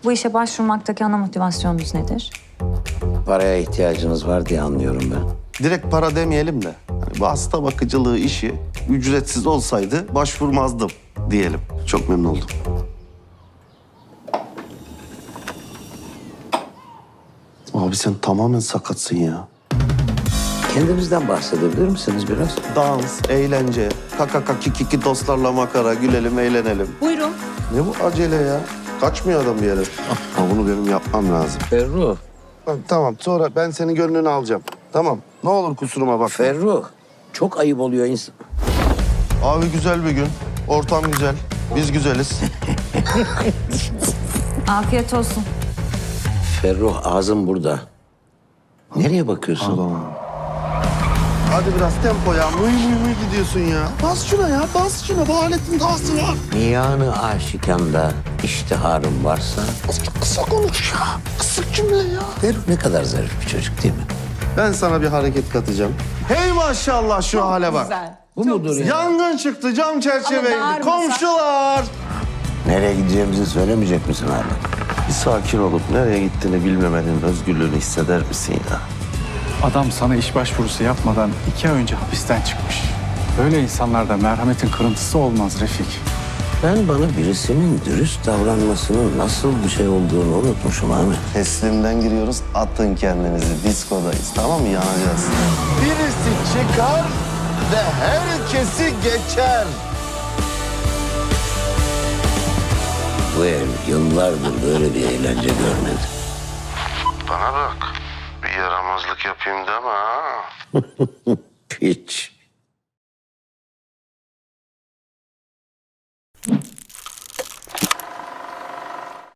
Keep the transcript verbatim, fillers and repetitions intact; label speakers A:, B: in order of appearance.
A: Bu işe başvurmaktaki ana motivasyonunuz nedir?
B: Paraya ihtiyacınız var diye anlıyorum ben.
C: Direkt para demeyelim de hani bu hasta bakıcılığı işi ücretsiz olsaydı başvurmazdım diyelim. Çok memnun oldum. Abi sen tamamen sakatsın ya.
B: Kendinizden bahsedebilir misiniz biraz?
C: Dans, eğlence, kaka kiki dostlarla makara, gülelim, eğlenelim.
A: Buyurun.
C: Ne bu acele ya? Kaçmıyor adam bir yere. Ha, bunu benim yapmam lazım.
B: Ferruh,
C: Ha, tamam, sonra ben senin gönlünü alacağım. Tamam, ne olur kusuruma bak.
B: Ferruh. Çok ayıp oluyor insan.
C: Abi güzel bir gün, ortam güzel, biz güzeliz.
A: Afiyet olsun.
B: Ferruh, ağzın burada. Nereye bakıyorsun?
C: Hadi biraz tempo ya, mıy mıy mıy gidiyorsun ya. Bas şuna ya, bas şuna. Bu aletin dağısı var.
B: Miyanı aşikanda iştiharın varsa...
C: Kısa konuş ya, kısık cümle ya.
B: Ferruh ne kadar zarif bir çocuk değil mi?
C: Ben sana bir hareket katacağım. Hey maşallah şu hale bak.
B: Bu mudur ya?
C: Yangın çıktı, cam çerçeveydi. Komşular.
B: Nereye gideceğimizi söylemeyecek misin hala?
C: Bir sakin olup nereye gittiğini bilmemenin özgürlüğünü hisseder misin ya?
D: Adam sana iş başvurusu yapmadan iki ay önce hapisten çıkmış. Böyle insanlarda merhametin kırıntısı olmaz Refik.
B: Ben bana birisinin dürüst davranmasının nasıl bir şey olduğunu unutmuşum Ahmet.
C: Teslimden giriyoruz, atın kendinizi. Diskodayız, tamam mı? Yanacağız. Birisi çıkar ve herkesi geçer.
B: Bu ev yıllardır böyle bir eğlence görmedi.
C: Bana bak, bir yaramazlık yapayım deme ha.
B: Hiç.